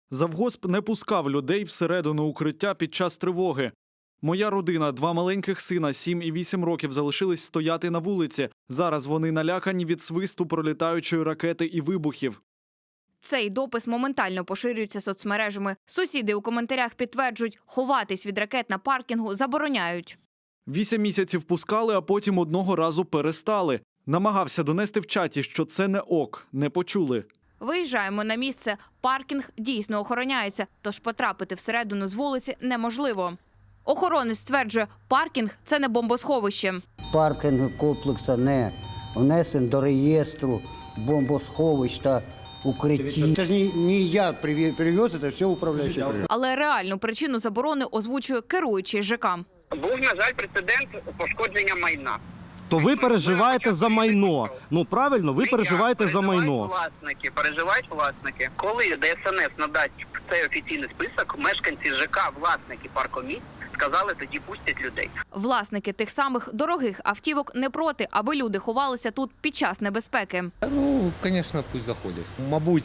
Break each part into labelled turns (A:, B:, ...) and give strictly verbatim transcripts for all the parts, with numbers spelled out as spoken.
A: Завгосп не пускав людей всередину укриття під час тривоги. Моя родина, два маленьких сина, сім і вісім років, залишились стояти на вулиці. Зараз вони налякані від свисту пролітаючої ракети і вибухів.
B: Цей допис моментально поширюється соцмережами. Сусіди у коментарях підтверджують, ховатись від ракет на паркінгу забороняють.
A: Вісім місяців пускали, а потім одного разу перестали. Намагався донести в чаті, що це не ок, не почули.
B: Виїжджаємо на місце. Паркінг дійсно охороняється, тож потрапити всередину з вулиці неможливо. Охоронець стверджує, паркінг – це не бомбосховище.
C: Паркінг комплексу не внесен до реєстру бомбосховищ та укриттів. Це ж не, не я привез, це все управляючий.
B: Але реальну причину заборони озвучує керуючий ЖЕК.
D: Був, на жаль, прецедент пошкодження майна.
E: То ви переживаєте за майно. Ну, правильно, ви переживаєте за майно.
D: Власники, переживають власники. Коли ДСНС надасть цей офіційний список, мешканці ЖЕК, власники паркомісць, сказали, тоді пустять людей.
B: Власники тих самих дорогих автівок не проти, аби люди ховалися тут під час небезпеки.
F: Ну, звісно, пусть заходять. Мабуть,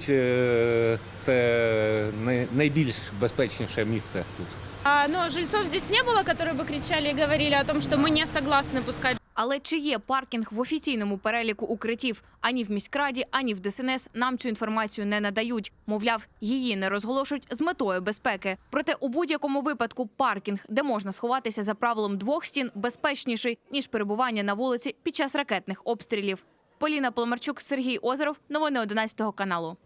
F: це найбільш безпечніше місце тут.
G: А, но жильцов здесь не было, которые бы кричали и говорили о том, что мы не согласны пускать.
B: Але чи є паркінг в офіційному переліку укриттів? Ані в міськраді, ані в ДСНС нам цю інформацію не надають. Мовляв, її не розголошують з метою безпеки. Проте у будь-якому випадку паркінг, де можна сховатися за правилом двох стін, безпечніший, ніж перебування на вулиці під час ракетних обстрілів. Поліна Поломарчук, Сергій Озеров. Новини одинадцятого каналу.